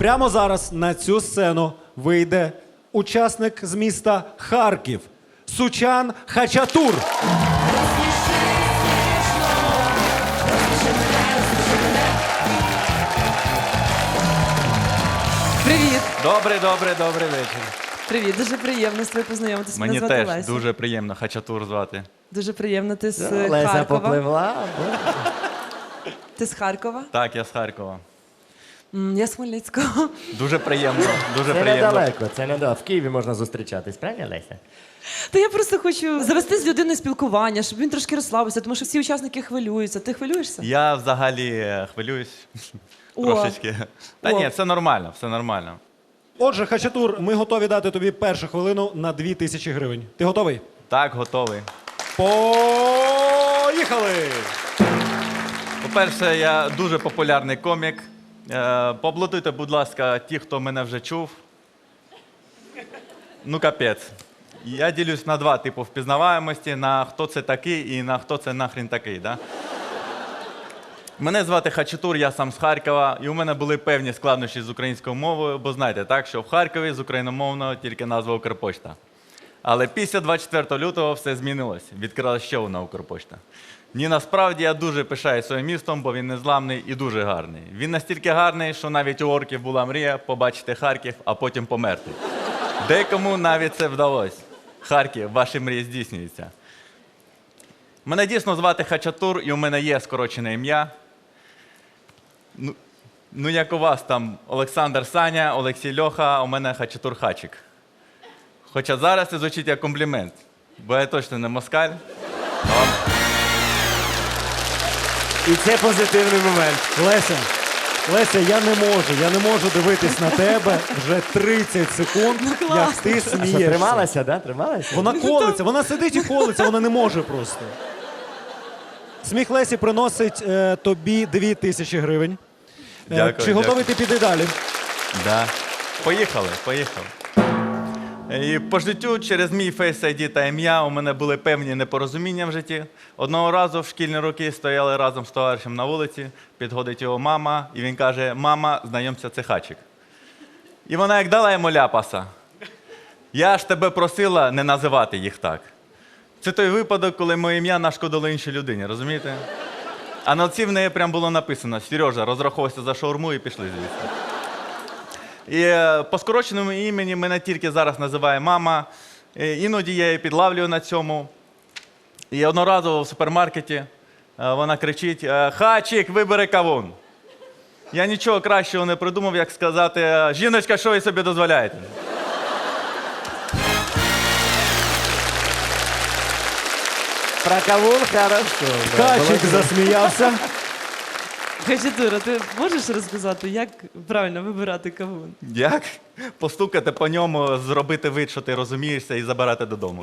прямо зараз на цю сцену вийде учасник з міста Харків Сучан Хачатур. Привіт. Добрий вечір. Привіт, дуже приємно з тобою познайомитися. Мені Мене звати теж Леся. дуже приємно Хачатур звати. Дуже приємно. Ти з Леся Харкова. попливла. Ти з Харкова? Так, я з Харкова. Я з Хмельницького. Дуже приємно, дуже Це приємно. недалеко, це недалеко. В Києві можна зустрічатись, правильно, Леся? Та я просто хочу завести з людиною спілкування, щоб він трошки розслабився, тому що всі учасники хвилюються. Ти хвилюєшся? Я взагалі хвилююсь трошечки. Та ні, все нормально, все нормально. Отже, Хачатур, ми готові дати тобі першу хвилину на 2000 гривень. Ти готовий? Так, готовий. Поїхали! По-перше, я дуже популярний комік. Поаплодуйте, будь ласка, ті, хто мене вже чув. Ну, капець. Я ділюсь на два типи впізнаваємості, на хто це такий і на хто це нахрін такий, да? Мене звати Хачатур, я сам з Харкова, і у мене були певні складнощі з українською мовою, бо знаєте, так, що в Харкові з україномовного тільки назва Укрпошта. Але після 24 лютого все змінилось. Відкрила ще одна Укрпошта. Ні, насправді я дуже пишаюсь своїм містом, бо він незламний і дуже гарний. Він настільки гарний, що навіть у орків була мрія побачити Харків, а потім померти. Декому навіть це вдалося. Харків, ваші мрії здійснюються. Мене дійсно звати Хачатур, і у мене є скорочене ім'я. Ну, як у вас там Олександр Саня, Олексій Льоха, а у мене Хачатур Хачик. Хоча зараз це звучить як комплімент, бо я точно не москаль. І це позитивний момент. Леся, я не можу дивитись на тебе вже 30 секунд, як ти Що, смієшся. трималася, да? Трималася? Вона колиться, вона сидить і колиться, вона не може просто. Сміх Лесі приносить тобі 2000 гривень. Дякую, Чи готовий дякую. ти піти далі? Да. Поїхали. І по життю через мій Face ID та ім'я у мене були певні непорозуміння в житті. Одного разу в шкільні роки стояли разом з товаришем на вулиці, підходить його мама, і він каже: «Мама, знайомся, це Хачик». І вона як дала йому ляпаса. «Я ж тебе просила не називати їх так». Це той випадок, коли моє ім'я нашкодило іншій людині, розумієте? А на лці в неї прям було написано: «Сережа, розраховуйся за шаурму» і пішли звідси. І по скороченому імені мене тільки зараз називає мама. Іноді я її підлавлюю на цьому. І одноразово в супермаркеті вона кричить: «Хачик, вибери кавун». Я нічого кращого не придумав, як сказати: «Жіночка, що ви собі дозволяєте?» Про кавун хорошо. да. Хачик засміявся. Хачатура, ти можеш розказати, як правильно вибирати кавун? Як? Постукати по ньому, зробити вид, що ти розумієшся, і забирати додому.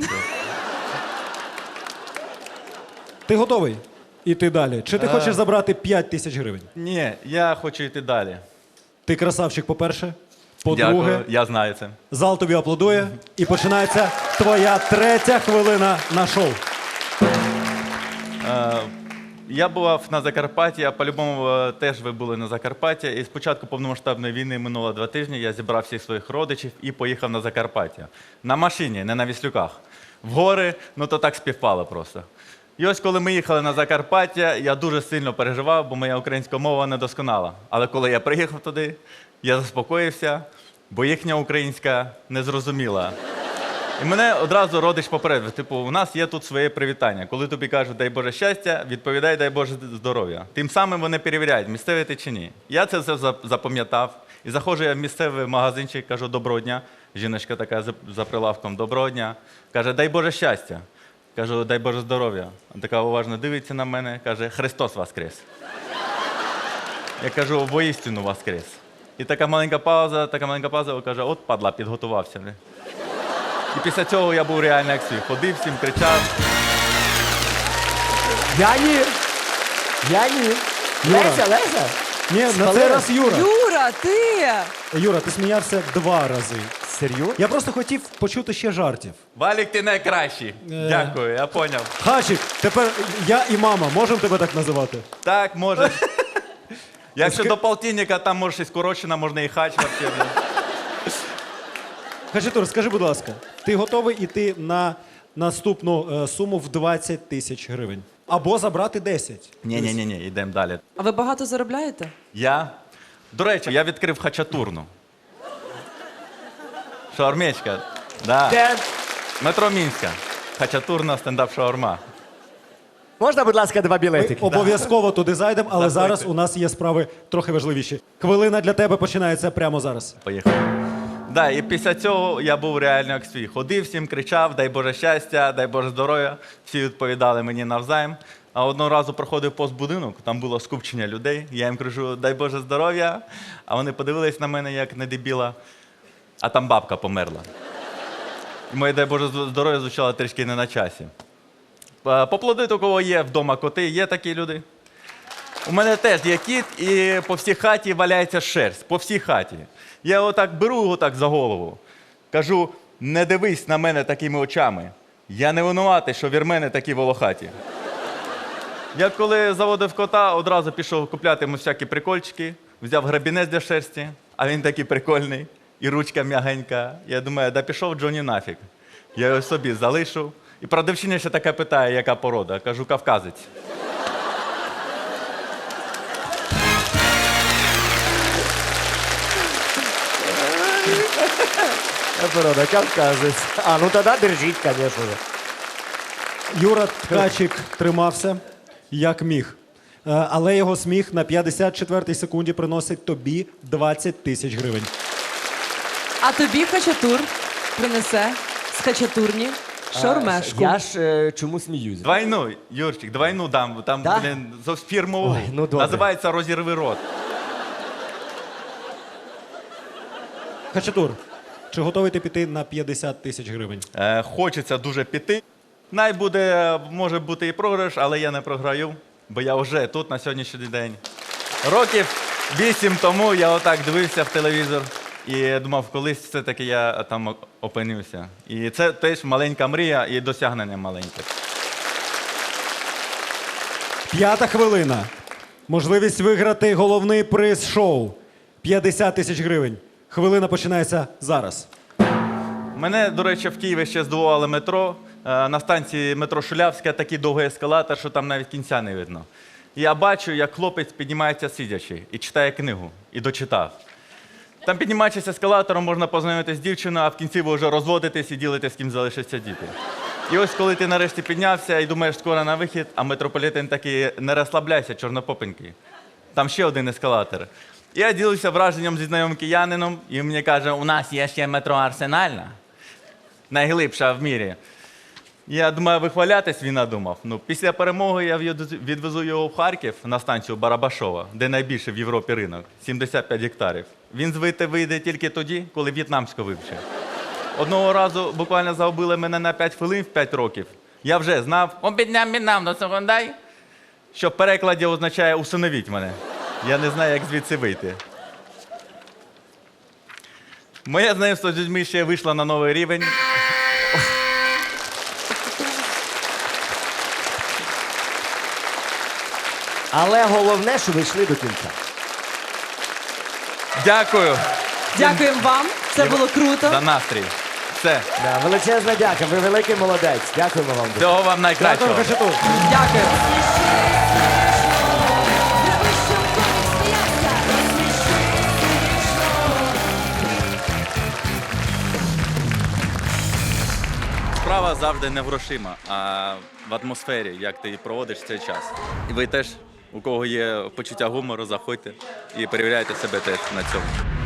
Ти готовий іти далі? Чи ти хочеш забрати 5000 гривень? Ні, я хочу йти далі. Ти красавчик, по-перше. По-друге, Дякую, я знаю це. зал тобі аплодує. І починається твоя третя хвилина на шоу. Я бував на Закарпатті, а по-любому теж ви були на Закарпатті. І з початку повномасштабної війни минуло 2 тижні, я зібрав всіх своїх родичів і поїхав на Закарпаття. На машині, не на віслюках. В гори, ну то так співпало просто. І ось коли ми їхали на Закарпаття, я дуже сильно переживав, бо моя українська мова недосконала. Але коли я приїхав туди, я заспокоївся, бо їхня українська не зрозуміла. І мене одразу родич попередив, типу, у нас є тут своє привітання. Коли тобі кажуть «дай Боже щастя», відповідай «дай Боже здоров'я». Тим самим вони перевіряють, місцевий ти чи ні. Я це все запам'ятав. І заходжу я в місцевий магазинчик, кажу «доброго дня». Жіночка така за прилавком «доброго дня». Каже «дай Боже щастя». Кажу «дай Боже здоров'я». Така уважно дивиться на мене, каже «Христос воскрес». Я кажу «воістину воскрес». І така маленька пауза, каже «от падла, підготувався». І після цього я був реально як свій. Ходив всім, кричав. Я ні. Юра. Леся. Ні, на цей раз Юра. Юра, ти! Юра, ти сміявся 2 рази. Серйозно? Я просто хотів почути ще жартів. Валік, ти найкращий. Дякую, я поняв. Хачик, тепер я і мама можемо тебе так називати? Так, може. Якщо до полтинника, там може і скорочена, можна і хач вообще. блін. Хачатур, скажи, будь ласка, ти готовий іти на наступну суму в 20 тисяч гривень? Або забрати 10? Ні, йдемо далі. А ви багато заробляєте? До речі, я відкрив хачатурну. Шаурмечка. Да. Де? Метро Мінська. Хачатурна стендап-шаурма. Можна, будь ласка, 2 Ми білетики? обов'язково туди зайдемо, але Заходьте. зараз у нас є справи трохи важливіші. Хвилина для тебе починається прямо зараз. Поїхали. Да, і після цього я був реально як свій. Ходив всім, кричав, дай Боже щастя, дай Боже здоров'я. Всі відповідали мені навзаєм. А одного разу проходив повз будинок, там було скупчення людей. Я їм кажу, дай Боже здоров'я. А вони подивились на мене, як на дебіла. А там бабка померла. І моє дай Боже здоров'я звучало трішки не на часі. Поплодити, у кого є вдома коти, є такі люди. У мене теж є кіт, і по всій хаті валяється шерсть. По всій хаті. Я його так беру його так за голову. Кажу, не дивись на мене такими очами. Я не винуватий, що вірмени такі волохаті. Я коли заводив кота, одразу пішов купляти йому всякі прикольчики, взяв грабінець для шерсті, а він такий прикольний, і ручка м'ягенька. Я думаю, да пішов Джоні нафіг. Я його собі залишу. І продавчиня ще така питає, яка порода. Кажу, кавказець. Порода, кавказець. А, ну тоді держіть, звісно. Юра Ткачик тримався як міг. Але його сміх на 54-й секунді приносить тобі 20 тисяч гривень. А тобі Хачатур принесе з Хачатурні шаурмешку. Я чому сміюсь? Двойну, Юрчик, двойну дам. Там, Да? блін, зовсім фірмову. Ой, ну добре. Називається «Розірви рот». Хачатур, чи готовий ти піти на 50 тисяч гривень? Хочеться дуже піти. Може бути і програш, але я не програю, бо я вже тут на сьогоднішній день. Років 8 тому я отак дивився в телевізор і думав, колись все-таки я там опинився. І це теж маленька мрія і досягнення маленьке. 5-та хвилина. Можливість виграти головний приз шоу. 50 тисяч гривень. Хвилина починається зараз. Мене, до речі, в Києві ще здивувало метро. На станції метро Шулявська такий довгий ескалатор, що там навіть кінця не видно. І я бачу, як хлопець піднімається сидячи і читає книгу. І дочитав. Там, піднімаючись ескалатором, можна познайомитися з дівчиною, а в кінці ви вже розводитесь і ділите, з ким залишаться діти. І ось коли ти нарешті піднявся і думаєш, скоро на вихід, а метрополітен такий, не розслабляйся, чорнопопенький. Там ще один ескалатор. Я ділився враженням зі знайомим киянином, і він мені каже, у нас є ще метро Арсенальна, найглибша в мірі. Я думаю, вихвалятись він надумав. Ну, після перемоги я відвезу його в Харків на станцію Барабашова, де найбільший в Європі ринок, 75 гектарів. Він звідти вийде тільки тоді, коли в'єтнамську вивчив. Одного разу буквально загубили мене на 5 хвилин в 5 років. Я вже знав, обідням до секундай, що в перекладі означає «усиновіть мене». Я не знаю, як звідси вийти. Моє знайомство з людьми ще вийшло на новий рівень. Але головне, що ви йшли до кінця. Дякую Дякуємо вам. Це було круто. за настрій. Все. Да, величезна дяка, ви великий молодець. Дякуємо вам. Всього вам Дякую, найкращого. Хачатур. Дякую. Справа завжди не в грошима, а в атмосфері, як ти проводиш цей час. І ви теж, у кого є почуття гумору, заходьте і перевіряйте себе теж на цьому.